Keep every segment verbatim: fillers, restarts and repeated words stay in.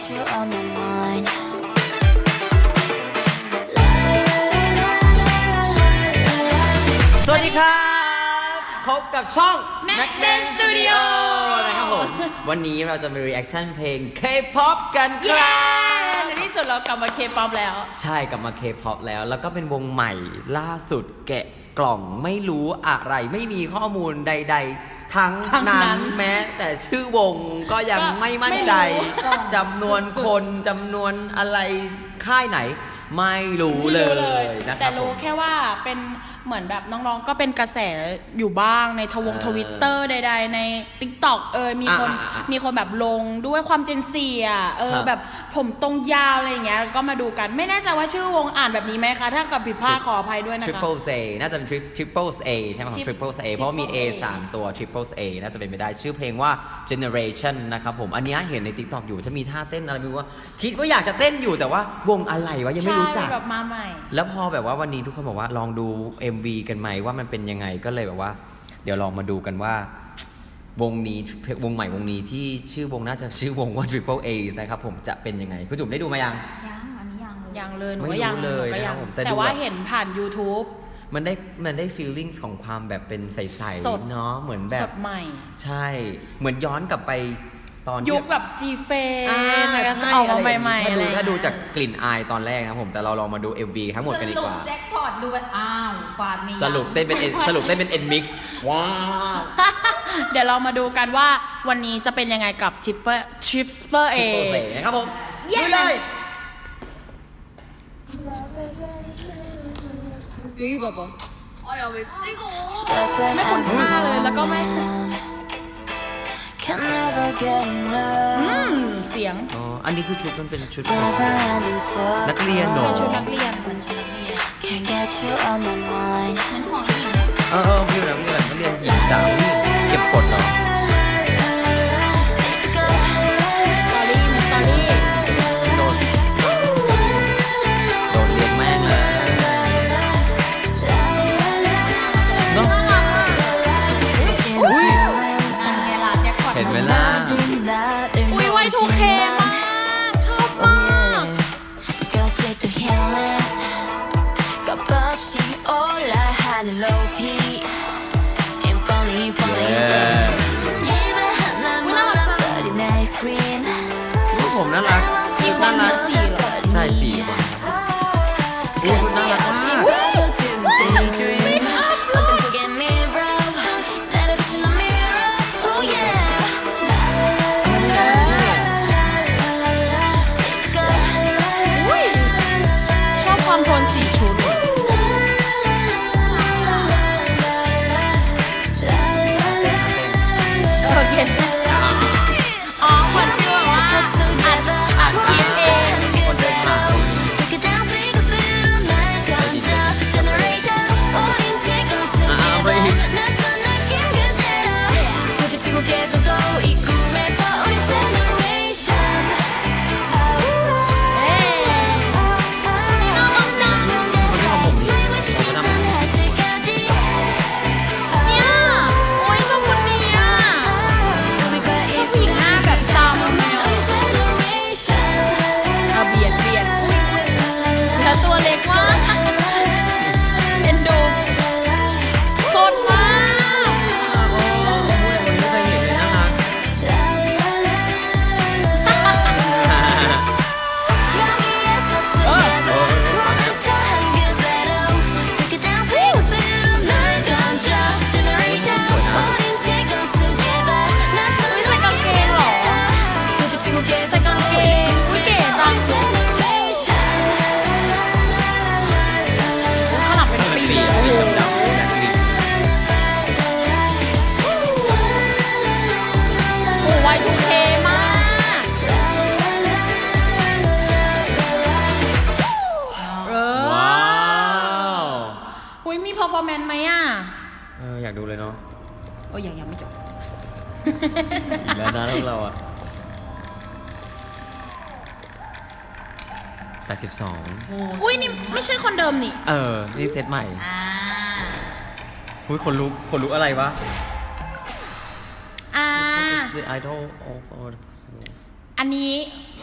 you on my mind สวัสดีครับพบกับช่อง Macben Studio นะครับผมวันนี้เราจะมี reaction เพลง K-pop กันคเย้รับในที่สุดเรากลับมาเคป๊อปแล้วใช่กลับมา K-pop แล้วแล้วก็เป็นวงใหม่ล่าสุดแกะกล่องไม่รู้อะไรไม่มีข้อมูลใดๆ ทั้งทั้งนั้นั้น นแม้แต่ชื่อวงก็ยังก็ไม่มั่นใจไม่รู้จำนวนคนจำนวนอะไรค่ายไหน ไม่รู้เลยนะครับแต่รู้ผมแค่ว่าเป็นเหมือนแบบน้องๆก็เป็นกระแสอยู่บ้างในทวงเออทวิตเตอร์ใดๆใน TikTok เออมีคนอ่าอ่าอ่ามีมีคนแบบลงด้วยความเจนเซียเออครับแบบผมตรงยาวอะไรอย่างเงี้ยก็มาดูกันไม่แน่ใจว่าชื่อวงอ่านแบบนี้ไหมคะ ถ้ากับผิดพลาดขออภัยด้วยนะคะ Triple A น่าจะเป็น Triple A ใช่ไหมครับ Tri- Triple A เพราะว่ามี A Triple A สามตัว Triple A น่าจะเป็นไปได้ชื่อเพลงว่า Generation นะครับผมอันนี้เห็นใน TikTok อยู่จะมีท่าเต้นอะไรไม่รู้ว่าคิดว่าอยากจะเต้นอยู่แต่ว่าวงอะไรวะยังไม่รู้จักใช่แบบมาใหม่แล้วพอแบบว่าวันนี้ทุกคนบอกว่าลองดู เอ็ม วี กันไหมว่ามันเป็นยังไงก็เลยแบบว่า เดี๋ยวลองมาดูกันว่า วงนี้วงใหม่วงนี้ที่ชื่อวงน่าจะชื่อวงว่า Triple A นะครับผมจะเป็นยังไงคุณจุ๋มได้ดูมายังยังอันนี้ยังเลยยังเลยหนูไม่ก็รู้ยังเลยหนูก็นะครับงผมแต่แต่ดูว่าแบบเห็นผ่าน YouTube มันได้มันได้ feelings ของความแบบเป็นใสสดๆเนาะเหมือนแบสบดใหม่ใช่ เหมือนย้อนกลับไปตอนที่ยุคแบบ G f a อ่า n ใช่ออกมาอะไรอย่างใหม่นี้ๆถ้าดูอะไรถ้าดูจากกลิ่นอายตอนแรกนะครับผมแต่เราลองมาดู เอ็ม วี ทั้งหมดกันดีกว่าสรุปแจ็คพอตดูแบบอ้าวฟาดมีสรุปเต้นเป็น N สรุปเต้นเป็น N mix ว้าวเดี๋ยวเรามาดูกันว่าวันนี้จะเป็นยังไงกับ Triple Triple A โปรเซสนะครับผมเย้ดูเลย 여기 봐봐 아야 왜 찍어 ไม่คุ้นท่าเลยแล้วก็ไม่ Can never get อื enough ม เสียงอ๋อ อันนี้คือชุดมันเป็นชุด Never ending นักเรียนเหรอเป็นชุดนักเรียน Can't get you on my mind เออเออพี่แบบนี้แบบนักเรียนหญิงจ๋าเก็บกดเหรอสตอรี่มีสตอรี่โดนโดนเรียนแม่งเลยเนาะอุ้ยเห็นไหมล่ะอุ้ยไวทูเคมาก ชอบมาก 값없이 올라 하늘 높이 I'm falling falling 입에 하나 물어버린 아이스크림 รูปผมน่ารักอีกคนน่านึรังกสี่เหรอใช่สี่คนรูปน่ารักมาก 빠져드는 daydream 어둠 속에 mirror 나를 비추는 mirror oh yeah อุ้ยชอบความโทนสีชุดโอเคอ๋อเหมือนฟีลแบบว่าอัดอัดคลิปเองคนเดินผ่าน Take it down, sing a little night 던져 generation 우린 지금 together 낯선 느낌 그대로 부딪히고 깨져도 이 꿈에서 우린 generation เอ้ย 너무나 together 시선할 때까지 เนี่ยโอ้ยชอบคนนี้อ่ะ 우리가 ชอบผู้หญิงหน้าแบบตามแมว 우린 generation เอาเบียดเบียดแล้วตัวเล็กมากเอ็นดูสดมากโอ้โหวันนี้ไม่เคยเห็นเลยน่ารัก 여기에서 together 좋아서 한 그대로 Take it down, sing a little night 던져 generation 우린 지금 together 낯선 อุ้ยใส่กางเกงเหรอ 부딪히고 ใส่ 깨져도 กางเกงอุ้ยเก๋จัง 우린 generation ข้างหลังเป็นปีปีเลยอะโอ้ปีโหดำๆแบบนี้โอ้วายทูเคมากเออว้าวอุ้ยมีเพอร์ฟอร์แมนซ์ไหมอ่ะเอออยากดูเลยเนาะโอ้ยยังยังไม่จบแล้วนะพวกเราอะแปดสิบสองอุ้ยนี่ไม่ใช่คนเดิมนี่เออ นี่เซตใหม่อ่าอุ้ยคนลุกคนลุกอะไรวะอ่า What is the idol of all the possible อันนี้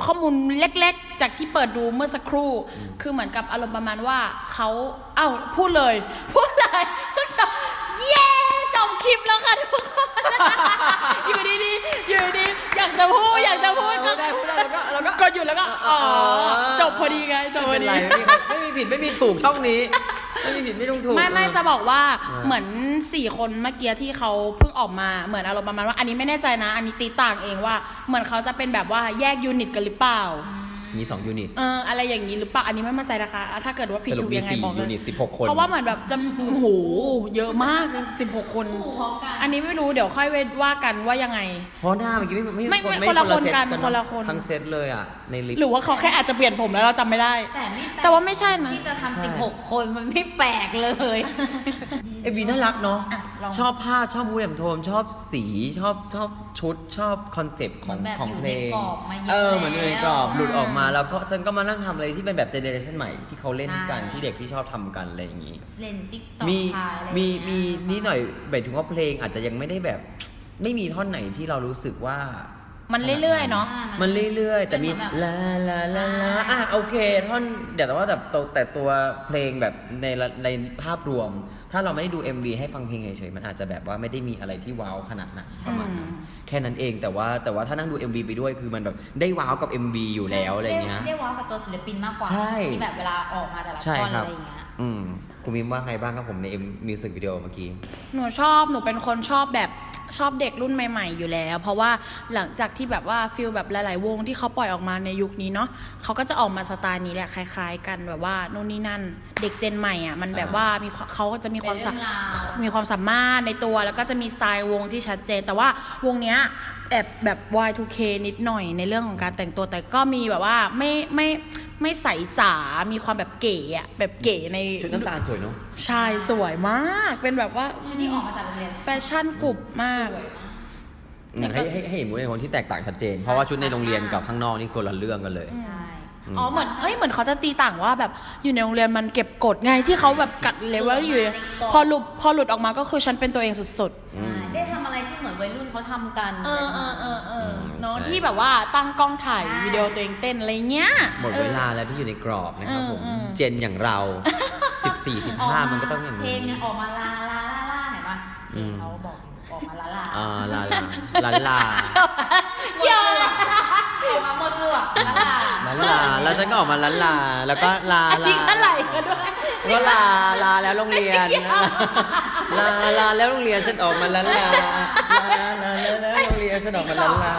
ข้อมูลเล็กๆ จากที่เปิดดูเมื่อสักครู่ คือเหมือนกับอารมณ์ประมาณว่าเขาเอ้าพูดเลยพูดเลยเย้จบคลิปแล้วค่ะทุกคน อยู่ดีๆอยู่ดีๆอยากจะพูดอยากจะพูดก็ได้พูดได้แล้วก็แล้วก็กดหยุดแล้วก็อ๋อจบพอดีไงจบพอดีไม่เป็นไรไม่มีไม่มีผิดไม่มีถูกช่องนี้ ไม่มีผิดไม่ต้องถูกไม่ไม่เออจะบอกว่าเออเหมือนสี่คนเมื่อกี้ที่เขาเพิ่งออกมาเหมือนอารมณ์ประมาณว่าอันนี้ไม่แน่ใจนะ อันนี้ตีต่างเองว่าเหมือนเขาจะเป็นแบบว่าแยกยูนิตกันหรือเปล่ามีสองยูนิตเอออะไรอย่างนี้หรือเปล่าอันนี้ไม่มั่นใจนะคะ ถ้าเกิดว่าผิดสรุปถูกมียังไงสี่บอกเลยูยนิตสิบหกคนเพราะว่าเหมือนแบบจะโอ้โหเยอะมากสิบหกคน อันนี้ไม่รู้เดี๋ยวค่อยว่ากันว่ายังไงเพราะหน้าเมื่อกี้ไม่ไม่ไม่คนละคนกันเซตคนละคนทั้งเซตเลยอ่ะในลิสต์หรือว่าเขาแค่อาจจะเปลี่ยนผมแล้วเราจำไม่ได้แต่ไม่ปลกแต่ว่าไม่ใช่นะที่จะใช่ทำสิบหกคนมันไม่แปลกเลยเอวีน่ารักเนาะอ่ะลองชอบภาพชอบมูดแอนโทนชอบสีชอบชอบชุดชอบคอนเซปต์ของเหมือนแบบของเพลงอยู่ในกรอบมาเยอะเออเหมือนอยู่ในกรอบแล้วหลุดออกมาแล้วก็ฉันก็มานั่งทำอะไรที่เป็นแบบเจเนอเรชันใหม่ที่เขาเล่นกันใช่ที่เด็กที่ชอบทำกันอะไรอย่างงี้เล่นติ๊กต็อกมีอะไรมีอย่างเงี้ยมีนิดหน่อยหมายถึงว่าเพลงอาจจะยังไม่ได้แบบ ไม่มีท่อนไหนที่เรารู้สึกว่ามันเรื่อยๆเนาะใช่มันเรื่อยๆ แต่มีเป็นเหมือนแบบลาลาลาลาใช่อ่ะโอเคท่อนเดี๋ยวแต่ว่าแบบตัวแต่ตัวเพลงแบบในละในภาพรวม ถ้าเราไม่ได้ดู เอ็ม วี ให้ฟังเพลงเฉยๆมันอาจจะแบบว่าไม่ได้มีอะไรที่ว้าวขนาดนั้นประมาณนั้นอืมแค่นั้นเองแต่ว่าแต่ว่าถ้านั่งดู เอ็ม วี ไปด้วยคือมันแบบได้ว้าวกับ เอ็ม วี อยู่แล้วอะไรเงี้ยได้ได้ว้าวกับตัวศิลปินมากกว่าใช่ที่แบบเวลาออกมาแต่ละใช่ท่อนครัอะบไรอย่างเงี้ยอืมคุณมิมว่าไงบ้างครับผมในมิวสิกวิดีโอเมื่อกี้หนูชอบ หนูเป็นคนชอบแบบชอบเด็กรุ่นใหม่ๆอยู่แล้ว เพราะว่าหลังจากที่แบบว่าฟิลแบบหลายๆวงที่เขาปล่อยออกมาในยุคนี้เนาะเขาก็จะออกมาสไตล์นี้แหละคล้าย ๆ กันแบบว่านู่นนี่นั่น เด็กเจนใหม่อ่ะมันแบบว่ามีความเขาก็จะมีความสาเป็นเรื่องราวมีความสามารถในตัวแล้วก็จะมีสไตล์วงที่ชัดเจน แต่ว่าวงเนี้ยแอบแบบ วาย ทู เค นิดหน่อยในเรื่องของการแต่งตัวแต่ก็มีแบบว่าไม่ไม่ไม่ใสจ๋า มีความแบบเก๋อะแบบเก๋ในชุดน้ำตาลสวยเนาะใช่สวยมาก เป็นแบบว่าชุดที่ออกมาจากโรงเรียนแฟชั่นกรุบมากอืมให้ให้ให้เห็นมูดในคนที่แตกต่างชัดเจน เพราะว่าชุดในโรงเรียนกับข้างนอกนี่คนละเรื่องกันเลยใช่อ๋อเหมือนเอ้ยเหมือนเขาจะตีต่างว่าแบบอยู่ในโรงเรียนมันเก็บกฎไงที่เขาแบบกัดเลเวลอยู่ พอหลุดพอหลุดออกมาก็คือฉันเป็นตัวเองสุดอืมได้ทำอะไรที่เหมือนวัยรุ่นเขาทำกันๆ เออเออเออเออมเนาะใช่ที่แบบว่าตั้งกล้องถ่ายใช่วิดีโอตัวเองเต้นอะไรเงี้ยหมดเวลาแล้วที่อยู่ในกรอบนะครับผมเออเออเจนอย่างเรา สิบสี่ สิบห้ามันก็ต้องอย่างเพลนี้งยังออกมาลาลาลาลาเห็นปะเพอืลงมเขาบอกออกมาลาลาอ่าลาลาลาลาเกี่ยวอะไรออกมาหมดตัวลาลาลาลาแล้วฉันก็ออกมาลาลา แล้วก็ลาอันลานี้เท่าไหร่กันด้วยก็ลาลาแล้วโรงเรียนลาลาแล้วโรงเรียนฉันออกมาลาลาลาลาแล้วโรงเรียนฉันออกมาลาลา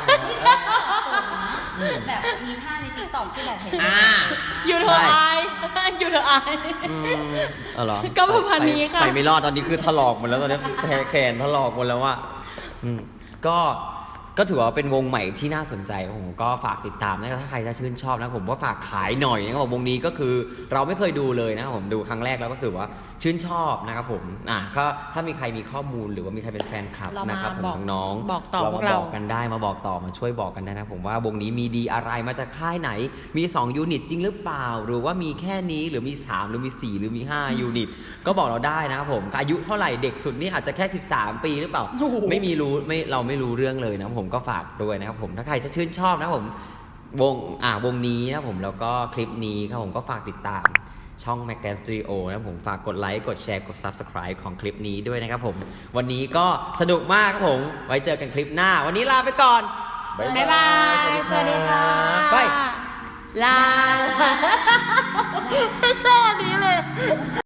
แบบมีท่าในติ๊กต็อกที่แบบเห็นอ่าอยู่เธออายอยู่เธออายอืมเอาเหรอก็ประมาณนี้ค่ะไปไปไม่รอดตอนนี้คือถลอกหมดแล้วตอนนี้แขนถลอกหมดแล้วว่าอืมก็ก็ถือว่าเป็นวงใหม่ที่น่าสนใจผมก็ฝากติดตามนะครับถ้าใครจะชื่นชอบนะผมว่าฝากขายหน่อยนะครับผมวงนี้ก็คือเราไม่เคยดูเลยนะครับผมดูครั้งแรกแล้วก็รู้สึกว่าชื่นชอบนะครับผมอ่ะก็ถ้ามีใครมีข้อมูลหรือว่ามีใครเป็นแฟนคลับเรามานะครับผมบอกน้องๆบอกต่อเราพวมากเราบอกกันได้มาบอกต่อมาช่วยบอกกันได้นะผมว่าวงนี้มีดีอะไรมาจากค่ายไหนมีสองยูนิตจริงหรือเปล่า หรือว่ามีแค่นี้หรือมีสามหรือมีสี่หรือมีห้ายูนิตก็บอกเราได้นะครับผมอายุเท่าไหร่เด็กสุดนี่อาจจะแค่สิบสามปีหรือเปล่าโอ้โหไม่มีรู้ไม่เราไม่รู้เรื่องเลยนะผมก็ฝากด้วยนะครับผมถ้าใครจะชื่นชอบนะผมวงอ่าวงนี้นะผมแล้วก็คลิปนี้ครับผมก็ฝากติดตามช่อง Mac Dance Studio นะผมฝากกดไลค์กดแชร์กด Subscribe ของคลิปนี้ด้วยนะครับผมวันนี้ก็สนุกมากครับผมไว้เจอกันคลิปหน้า วันนี้ลาไปก่อนบ๊ายบาย สวัสดีค่ะไปลา ไม่ชอบอันนี้เลย